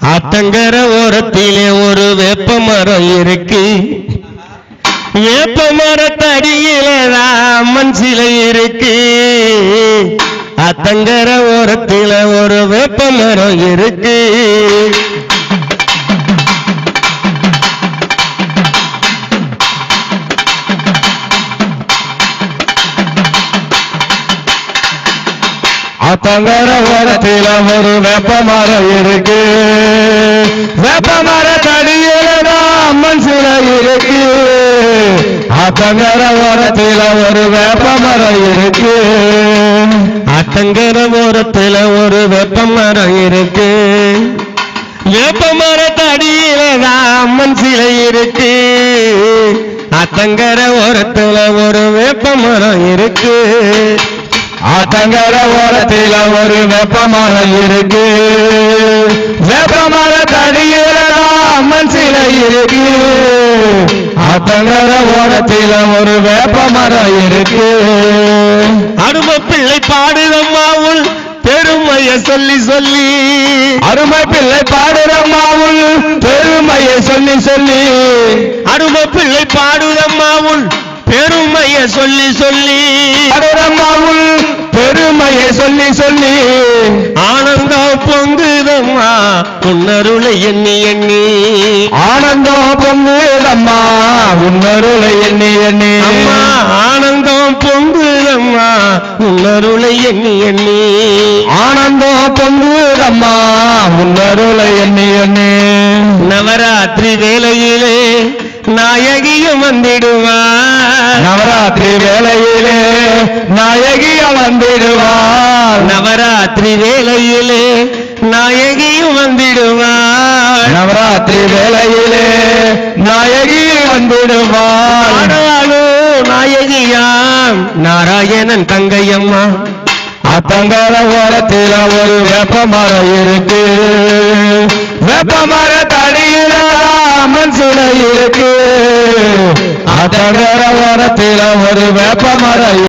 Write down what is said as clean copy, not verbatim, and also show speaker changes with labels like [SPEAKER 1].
[SPEAKER 1] ஆத்தங்கர ஓரத்திலே ஒரு வேப்ப மரம் இருக்கு. வேப்ப மரத்தடியிலதான் அம்மன் சிலை இருக்கு. ஆத்தங்கர ஓரத்தில ஒரு வேப்ப மரம் இருக்கு. ஆத்தங்கர ஓரத்தில ஒரு வேப்ப மரம் இருக்கு. வேப்ப மரத்தடியிலதான் அம்மன் சிலை இருக்கு. ஆத்தங்கர ஓரத்தில ஒரு வேப்ப மரம் இருக்கு. ஆத்தங்கர ஓரத்தில ஒரு வேப்ப மரம் இருக்கு. வேப்ப மரத்தடியிலதான் அம்மன் சிலை இருக்கு. ஆத்தங்கர ஓரத்தில ஒரு வேப்ப மரம் இருக்கு. ஆத்தங்கர ஓரத்தில ஒரு வேப்ப மரம் இருக்கு. வேப்ப மரத்தடியிலதான் அம்மன் சிலை இருக்கு. ஆத்தங்கர ஓரத்தில ஒரு வேப்ப மரம் இருக்கு. அருமை பிள்ளை பாடுதம்மாவுள் பெருமைய சொல்லி சொல்லி. அருமை பிள்ளை பாடுதம்மாவுள் பெருமைய சொல்லி சொல்லி. அருமை பிள்ளை பாடுதம்மாவுள் பெருமைய சொல்லி சொல்லி. பாடுதம்மாவுள் பெருமைய சொல்லி சொல்லி. ஆனந்தம் பொங்குதம்மா உன்னருளை எண்ணி எண்ணி. ஆனந்தம் பொங்குதம்மா உன்னருளை எண்ணி எண்ணி. அம்மா ஆனந்தம் பொங்குதம்மா உன்னருளை எண்ணி எண்ணி. ஆனந்தம் பொங்குதம்மா உன்னருளை எண்ணி எண்ணி. நவராத்திரி வேளையிலே நாயகியும் வந்திடுவார். நவராத்திரி வேளையிலே நாயகியும் வந்திடுவார். நவராத்திரி வேளையிலே நாயகியும் வந்திடுவார். நவராத்திரி வேளையிலே நாயகியும் வந்திடுவார். ஆனாலோ நாயகியாம் நாராயணன் தங்கையம்மா. ஆத்தங்கர ஓரத்தில ஒரு வேப்ப மரம் இருக்கு. வேப்ப மரத்தடியில அம்மன் சிலை இருக்கு. ஆத்தங்கர ஓரத்தில ஒரு வேப்ப மரம்